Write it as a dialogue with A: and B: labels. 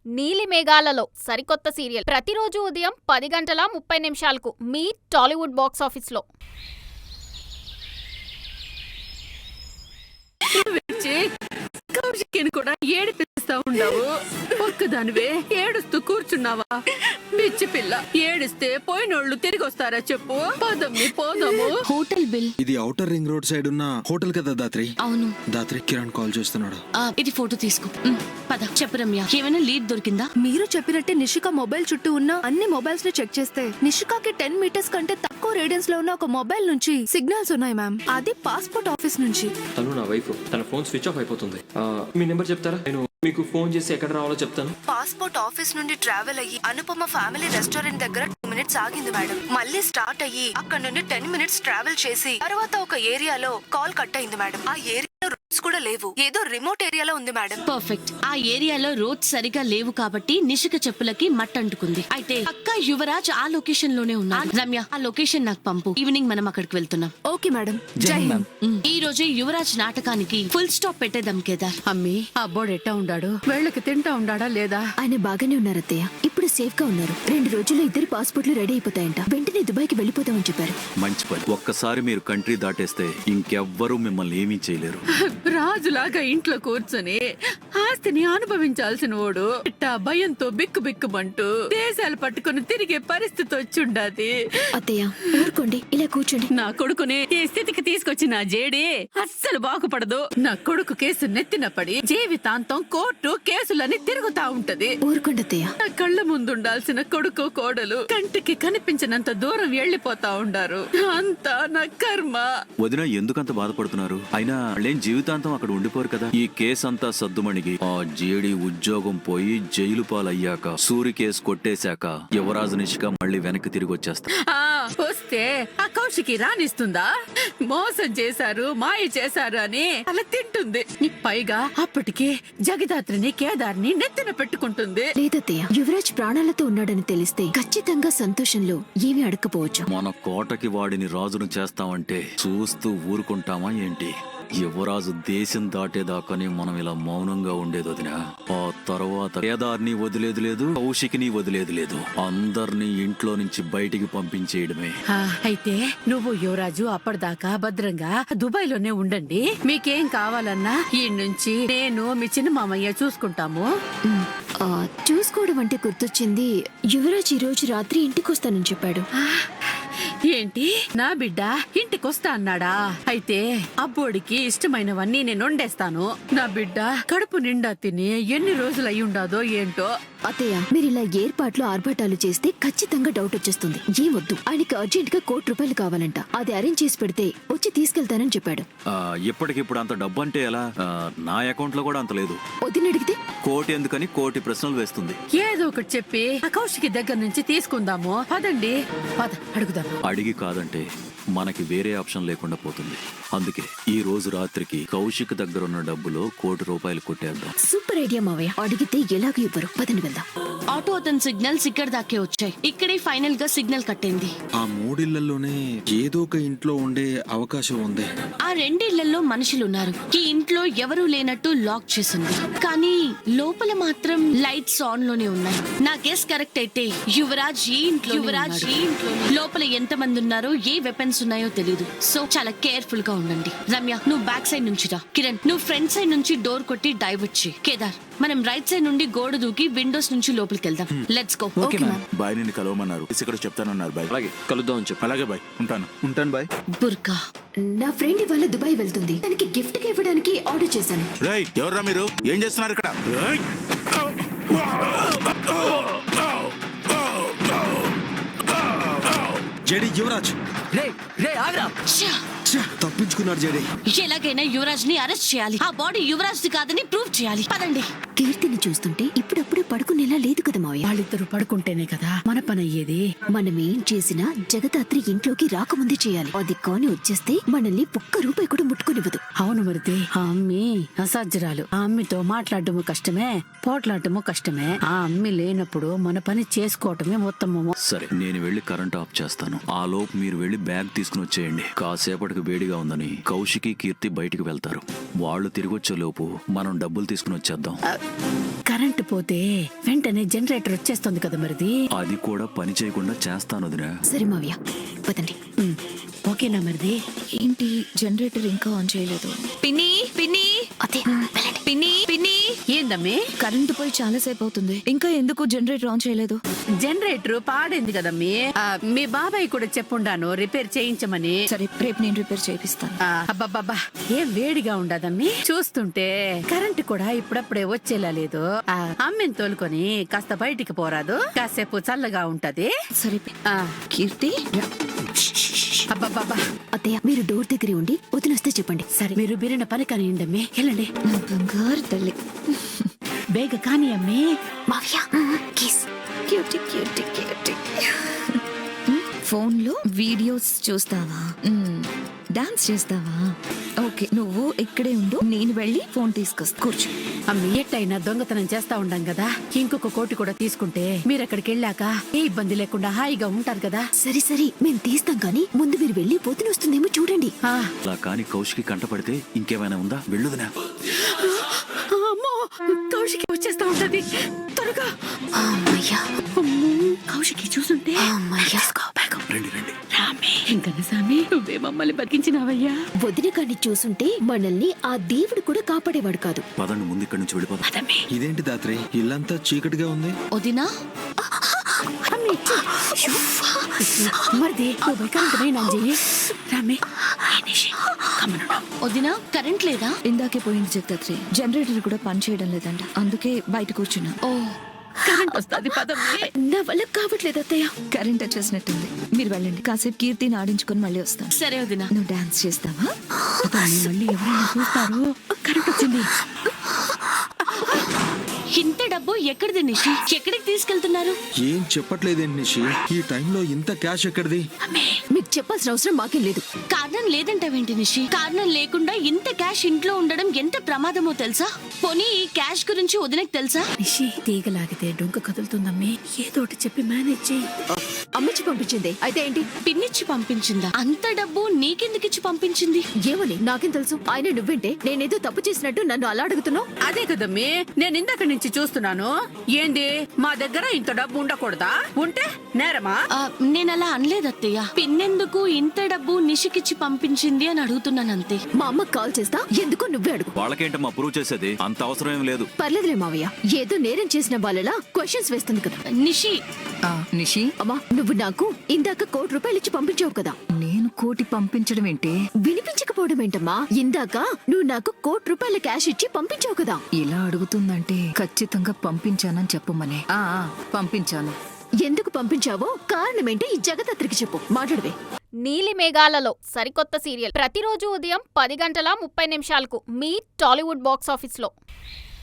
A: నీలి మేఘాలలో సరికొత్త సీరియల్ ప్రతిరోజు ఉదయం 10:30 మీ టాలీవుడ్ బాక్స్ ఆఫీస్లో.
B: కౌశికిని కూడా ఏడిపిస్తా ఉండవు. ఒక్కదానివే ఏడుస్తూ కూర్చున్నావా? పిచ్చి పిల్ల, ఏడిస్తే పోయినోళ్ళు తిరిగి వస్తారా చెప్పు? పదమ్మి పోదాము.
C: Hotel bill.
D: ఇది ఔటర్ రింగ్ రోడ్ సైడ్ ఉన్న హోటల్ కదా దాత్రి?
C: అవును
D: దాత్రి, కిరణ్ కాల్ చేస్తున్నాడు.
C: ఇది ఫోటో తీసుకో. పద. చెప్పు రమ్య, ఏమైనా లీడ్ దొరికిందా?
E: మీరు చెప్పినట్టే నిషిక మొబైల్ చుట్టూ ఉన్న అన్ని మొబైల్స్ ని చెక్ చేస్తే నిషికాకి 10 మీటర్స్ కంటే తక్కువ రేడియన్స్ లో ఉన్న ఒక మొబైల్ నుంచి సిగ్నల్స్ ఉన్నాయి మ్యామ్. అది పాస్పోర్ట్ ఆఫీస్ నుంచి.
F: తను నా వైఫ్, తన ఫోన్ స్విచ్ ఆఫ్ అయిపోతుంది. మీ నెంబర్ చెప్తారా? నేను మీకు ఫోన్ చేసి ఎక్కడ రావాలో చెప్తాను.
E: పాస్పోర్ట్ ఆఫీస్ నుండి ట్రావెల్ అయ్యి అనుపమ ఫ్యామిలీ రెస్టారెంట్ దగ్గర 2 మినిట్స్ ఆగింది మేడం. మళ్ళీ స్టార్ట్ అయ్యి అక్కడ నుండి 10 మినిట్స్ ట్రావెల్ చేసి తర్వాత ఒక ఏరియాలో కాల్ కట్ అయింది మేడం. ఆ ఏరియాలో రోడ్స్ కూడా లేవు, ఏదో రిమోట్ ఏరియాలో ఉంది మేడం.
C: పర్ఫెక్ట్. ఆ ఏరియాలో రోడ్స్ సరిగా లేవు కాబట్టి నిషిక చెప్పులకి మట్టంటుకుంది. అయితే పక్కా యువరాజ్ ఆ లొకేషన్ లోనే ఉన్నాడు. రమ్య, ఆ లొకేషన్ నాకు పంపు. ఈవినింగ్ మనం అక్కడికి వెళ్తున్నాం.
E: Okay madam. జై హింద్.
C: ఈ రోజే యువరాజ్ నాటకానికి ఫుల్ స్టాప్ పెట్టేద్దాం కేదార్.
B: అమ్మి, ఆ బోర్డు ఎట్టా ఉండాడు? వేళ్ళకి తింటా ఉండాడా లేదా?
E: ఆయన బాగానే ఉన్నారు అత్తయ్య. ఇప్పుడు సేఫ్ గా ఉన్నారు. 2 రోజుల్లో 2 పాస్పోర్ట్లు రెడీ అయిపోతాయంట. వెంటనే దుబాయ్కి వెళ్ళిపోతామని చెప్పారు.
G: మంచి పని. ఒక్కసారి మీరు కంట్రీ దాటేస్తే ఇంకెవ్వరూ మిమ్మల్ని ఏమీ చేయలేరు.
B: రాజులాగా ఇంట్లో కూర్చొని ఆస్తిని అనుభవించాల్సిన వాడు ఇట్టా భయంతో బిక్కు బిక్కుమంటూ దేశాలు పట్టుకుని తిరిగే పరిస్థితి వచ్చుండాది.
E: అత్తయ్య ఊరుకోండి, ఇలా కూర్చోండి.
B: నా కొడుకుని ఈ స్థితికి తీసుకొచ్చిన జేడి అస్సలు బాగుపడదు. నా కొడుకు కేసు నెత్తిన పడి జీవితాంతం కోర్టు కేసులని తిరుగుతా ఉంటది.
E: ఊరుకోండి అత్తయ్య.
B: నా కళ్ళ ముందుండాల్సిన కొడుకు కోడలు కంటికి కనిపించినంత దూరం వెళ్లిపోతా ఉండారు. అంతా నా కర్మ.
G: వదిన ఎందుకంత బాధపడుతున్నారు? అయినా వాళ్ళేం జీవితాంతం అక్కడ ఉండిపోరు కదా. ఈ కేసు అంతా సద్దుమణిగి ఆ జేడి ఉద్యోగం పోయి జైలు పాలయ్యాక సూరి కేసు కొట్టేశాక యువరాజు నిషిక మళ్ళీ వెనక్కి తిరిగి వచ్చేస్తా.
B: వస్తే ఆ కౌశికి రాణిస్తుందా? మోసం చేశారు, మాయ చేశారు అని అలా తింటుంది. పైగా అప్పటికి జగదాత్రిని కేదార్ని నెత్తిన పెట్టుకుంటుంది.
E: లేదత్తయ్య, యువరాజ్ ప్రాణాలతో ఉన్నాడని తెలిస్తే ఖచ్చితంగా సంతోషంలో ఏమీ అడగకపోవచ్చు.
G: మన కోటకి వాడిని రాజును చేస్తామంటే చూస్తూ ఊరుకుంటామా ఏంటి? యువరాజు దేశం దాటేదాకానే మనం ఇలా మౌనంగా ఉండేది వదినా. ఆ తర్వాత కేదార్ని వదిలేది లేదు, కౌశికిని వదిలేది లేదు. అందరినీ ఇంట్లో నుంచి బయటికి పంపించేయడమే.
B: అయితే నువ్వు యువరాజు అప్పటిదాకా భద్రంగా దుబాయ్ లోనే ఉండండి. మీకేం కావాలన్నా ఈ నుంచి నేను మీ చిన్న మామయ్య చూసుకుంటాము.
E: చూసుకోవడం అంటే గుర్తొచ్చింది, యువరాజ్ ఈ రోజు రాత్రి ఇంటికి వస్తానని చెప్పాడు.
B: ఏంటి, నా బిడ్డ ఇంటికొస్తా అన్నాడా? అయితే అబ్బోడికి ఇష్టమైనవన్నీ నేను వండేస్తాను. నా బిడ్డ కడుపు నిండా తిని ఎన్ని రోజులు అయి ఉండాదో ఏంటో.
E: అత్తయ్య, మీరు ఇలా ఏర్పాట్లు ఆర్భాటాలు చేస్తే ఖచ్చితంగా డౌట్ వచ్చేస్తుంది. ఏమొద్దు, ఆయనకి అర్జెంట్ గా ₹1,00,00,000 కావాలంట. అది అరేంజ్ చేసి పెడితే వచ్చి తీసుకెళ్తానని చెప్పాడు.
G: ఇప్పటికిప్పుడు అంత డబ్బు అంటే ఎలా? నా అకౌంట్ లో కూడా అంత లేదు.
E: వదిన అడిగితే
G: కోటి ఎందుకని కోటి ప్రశ్నలు వేస్తుంది.
B: ఏదో ఒకటి చెప్పి ఆ కౌశికి దగ్గర నుంచి తీసుకుందాము. పదండి, పద అడుగుదాం.
G: అడిగి కాదంటే మనకి వేరే ఆప్షన్ లేకుండా పోతుంది. అందుకే ఈ రోజు రాత్రికి కౌశిక్ దగ్గర ఉన్న డబ్బులో ₹1,00,00,000 కొట్టేద్దాం.
E: సూపర్ ఐడియా మావయ్య. అడిగితే ఎలాగో ఇవ్వరు. పదని వెళ్దాం.
C: ఆటో అతని సిగ్నల్స్ ఇక్కడ దాకే వచ్చాయి. ఇక్కడే ఫైనల్ గా సిగ్నల్ కట్టింది.
D: ఆ 3 ఇళ్లలోనే ఏదో ఒక ఇంట్లో ఉండే అవకాశం ఉంది.
C: ఆ 2 ఇళ్లలో మనుషులున్నారు. ఈ ఇంట్లో ఎవరూ లేనట్టు లాక్ చేసింది, కానీ లోపల మాత్రం లైట్స్ ఆన్ లోనే ఉన్నాయి. నా గెస్ కరెక్ట్ అయితే యువరాజ్ ఈ ఇంట్లో లోపల ఎంత మంది ఉన్నారో, ఏ వెపన్స్ ఉన్నాయో తెలీదు. సో చాలా కేర్ఫుల్ గా ఉండండి. రమ్య, నువ్వు బ్యాక్ సైడ్ నుంచి రా. కిరణ్, నువ్వు ఫ్రంట్ సైడ్ నుంచి డోర్ కొట్టి డైవర్ట్ చేయి. కేదార్, మనం రైట్ సైడ్ నుండి గోడ దూకి విండోస్ నుంచి లోపలికి వెళ్దాం. Let's go.
G: బాయ్, నిన్ను కలవమన్నారు. ఇక్కడ చెప్తానన్నారు బాయ్.
F: అలాగే కలుద్దాం అని చెప్పి.
G: అలాగే బాయ్, ఉంటాను బాయ్.
C: బుర్కా,
E: నా ఫ్రెండ్ ఇవాళ దుబాయ్ వెళ్తుంది. తనకి గిఫ్ట్ గా ఇవ్వడానికి ఆర్డర్ చేశాను.
G: ఎవర్రా మీరు? ఏం చేస్తున్నారు ఇక్కడ?
D: జేడి, యువరాజ్ తప్పించుకున్నాడు. జేడి,
C: ఎలాగైనా యువరాజ్ ని అరెస్ట్ చేయాలి. ఆ బాడీ యువరాజ్ ది కాదని ప్రూవ్ చేయాలి. పదండి.
E: కీర్తిని చూస్తుంటే ఇప్పుడప్పుడే పడుకునేలా లేదు కదా మావయ్య.
B: వాళ్ళిద్దరు పడుకుంటేనే కదా మన పని అయ్యేది.
E: మనం ఏం చేసినా జగదాత్రి ఇంట్లోకి రాకముందే చేయాలి. అది కాని వచ్చేస్తే మనల్ని ₹1 కూడా ముట్టుకునివ్వదు.
B: అవును మరిది, ఆ అమ్మి అసాధ్యురాలు. ఆ అమ్మితో మాట్లాడటము కష్టమే, పోట్లాడటము కష్టమే. ఆ అమ్మి లేనప్పుడు మన పని చేసుకోవటమే ఉత్తమము.
G: సరే, నేను వెళ్లి కరెంట్ ఆఫ్ చేస్తాను. ఆ లోపు మీరు వెళ్లి బ్యాగ్ తీసుకుని వచ్చేయండి. కాసేపటికి వేడిగా ఉందని కౌశికి, కీర్తి బయటికి వెళ్తారు. వాళ్ళు తిరిగి వచ్చే లోపు మనం డబ్బులు తీసుకుని వచ్చేద్దాం.
B: కరెంటు పోతే వెంటనే జనరేటర్ వచ్చేస్తుంది కదా మరిది.
G: అది కూడా పని చేయకుండా చేస్తాను వదినా.
H: సరే మావయ్య పదండి.
B: ఓకేనా మరిది?
H: ఏంటి జనరేటర్ ఇంకా ఆన్ చేయలేదు?
C: పిన్ని పిన్ని
H: అదే
C: పిన్ని పిన్ని
B: ఏందమ్మి?
H: కరెంటు పోయి చాలా సేపు అవుతుంది, ఇంకా ఎందుకు జనరేటర్ ఆన్ చేయలేదు?
B: జనరేటర్ పాడైంది కదమ్మీ. మీ బాబాయ్ కూడా చెప్పుండాను రిపేర్ చేయించమని.
H: సరే రేపు నేను రిపేర్ చేపిస్తాను.
B: అబ్బబ్బబ్బా ఏం వేడిగా ఉండదమ్మీ. చూస్తుంటే కరెంటు కూడా ఇప్పుడప్పుడే వచ్చేలా లేదు. అమ్మిని తోలుకొని కాస్త బయటికి పోరాదు, కాసేపు చల్లగా ఉంటది.
H: సరే కీర్తి.
B: అబ్బబ్బబ్బా
H: అత్తయ్య మీరు డోర్ దగ్గరే ఉండి వదినొస్తే చెప్పండి.
B: సరే మీరు బిరిన పని కానియండమ్మి. వెళ్ళండి.
H: నా బంగారు తల్లి.
B: బేగ కాని అమ్మి.
H: మావయ్య కిస్. Cutie cutie cutie. ఫోన్లో వీడియోస్ చూస్తావా? డాన్స్ చేస్తావా? ఓకే నువ్వు ఇక్కడే ఉండు, నేను వెళ్ళి ఫోన్ తీసుకొస్తా. కూర్చో.
B: అమ్మి ఎట్టయినా దొంగతనం చేస్తా ఉండం కదా, ఇంకొక కోటి కూడా తీసుకుంటే మీరు అక్కడికి వెళ్ళాక ఏ ఇబ్బంది లేకుండా హాయిగా ఉంటారు కదా.
H: సరే సరే మేము తీస్తాం కానీ ముందు మీరు వెళ్ళి వదినొస్తుందేమో చూడండి.
G: అలా కాని కౌశికి కంటపడితే ఇంకేమైనా ఉందా? వెళ్ళుదినా.
B: అమ్మో కౌశికి వచ్చేస్తా ఉంటది. త్వరగా.
H: అమ్మయ్యా.
B: కౌశికి చూసుంటే.
H: అమ్మయ్యా.
G: రండి రండి.
B: రామే ఇంకన్నసామి నువ్వే మమ్మల్ని బతికించినావయ్యా.
H: వదిన కాని చూసుంటే మనల్ని ఆ దేవుడు కూడా కాపాడేవాడు కాదు.
G: పదండి ముందు ఇక్కడి నుంచి వెళ్ళిపోతాం.
D: ఇదేంటి దాత్రి ఇల్లంతా చీకటిగా ఉంది?
C: వదినా
B: మరిది నువ్వు కరెంట్ చెయ్యి. రామే
C: వదినా కరెంట్ లేదా?
H: ఇందాకే పోయింది జగదాత్రి. జనరేటర్ కూడా పని చేయడం లేదంట, అందుకే బయట కూర్చున్నా.
C: ఓ
B: కరెంట్ వస్తుంది పదమ్మి.
H: నా వల్ల కావట్లేదు అత్తయ్య. కరెంట్ వచ్చేసినట్టుంది, మీరు వెళ్ళండి. కాసేపు కీర్తిని ఆడించుకొని మళ్ళీ వస్తాను.
C: సరే వదినా.
H: నువ్వు డాన్స్ చేస్తావా?
B: మళ్ళీ ఎవరైనా చూస్తారు. కరెంట్ వచ్చింది.
C: ఇంత డబ్బు ఎక్కడిది నిషి? ఎక్కడికి తీసుకెళ్తున్నారు?
D: ఏం చెప్పట్లేదేంటి నిషి? ఈ టైంలో ఇంత క్యాష్ ఎక్కడిది?
H: మీకు చెప్పాల్సిన అవసరం మాకేం లేదు.
C: కారణం లేదంటావేంటి నిషి? కారణం లేకుండా ఇంత క్యాష్ ఇంట్లో ఉండడం ఎంత ప్రమాదమో తెలుసా? పోనీ ఈ క్యాష్ గురించి వదినకు తెలుసా?
B: నిషి తీగలాగితే డొంక కదులుతుందమ్మి, ఏదో ఒకటి చెప్పి మేనేజ్ చేయి.
H: అమ్మచ్చి పంపించింది అయితే ఏంటి?
C: పిన్నిచ్చి పంపించిందా? అంత డబ్బు నీకెందుకిచ్చి పంపించింది?
H: ఏమని నాకేం తెలుసు? ఆయన నువ్వేంటే నేనేదో తప్పు చేసినట్టు నన్ను అలా అడుగుతున్నావు?
B: అదే కదమ్మి నేను ఇందాక నుంచి చూస్తున్నాను. ఏంది మా దగ్గర ఇంత డబ్బు ఉండకూడదా? ఉంటే నేరమా?
C: నేనలా అనలేదు అత్తయ్య. పిన్నెందుకు ఇంత డబ్బు నిషికిచ్చి పంపించింది అని అడుగుతున్నాను అంతే.
H: మా అమ్మకి కాల్ చేస్తా, ఎందుకో నువ్వే అడుగు.
G: వాళ్ళకేంటమ్మా ప్రూవ్ చేసేది? అంత అవసరం ఏం లేదు.
H: పర్లేదులే మావయ్య, ఏదో నేరం చేసిన వాళ్ళలా క్వశ్చన్స్ వేస్తుంది కదా.
C: నిషి
I: నిషి
H: అమ్మా నువ్వు నాకు ఇందాక ₹1,00,00,000 ఇచ్చి పంపించావు కదా.
I: నేను కోటి పంపించడం ఏంటి?
H: వినిపించకపోవడం ఏంటమ్మా? ఇందాక నువ్వు నాకు ₹1,00,00,000 క్యాష్ ఇచ్చి పంపించావు కదా.
I: ఇలా అడుగుతుందంటే ఖచ్చితంగా పంపించానని చెప్పమనే. పంపించాను.
H: ఎందుకు పంపించావో కారణమేంటో ఈ జగదత్రికి చెప్పు, మాట్లాడవే.
A: నీలి మేఘాలలో సరికొత్త సీరియల్ ప్రతిరోజు ఉదయం 10 గంటల 30 నిమిషాలకు మీ టాలీవుడ్ బాక్స్ ఆఫీస్లో.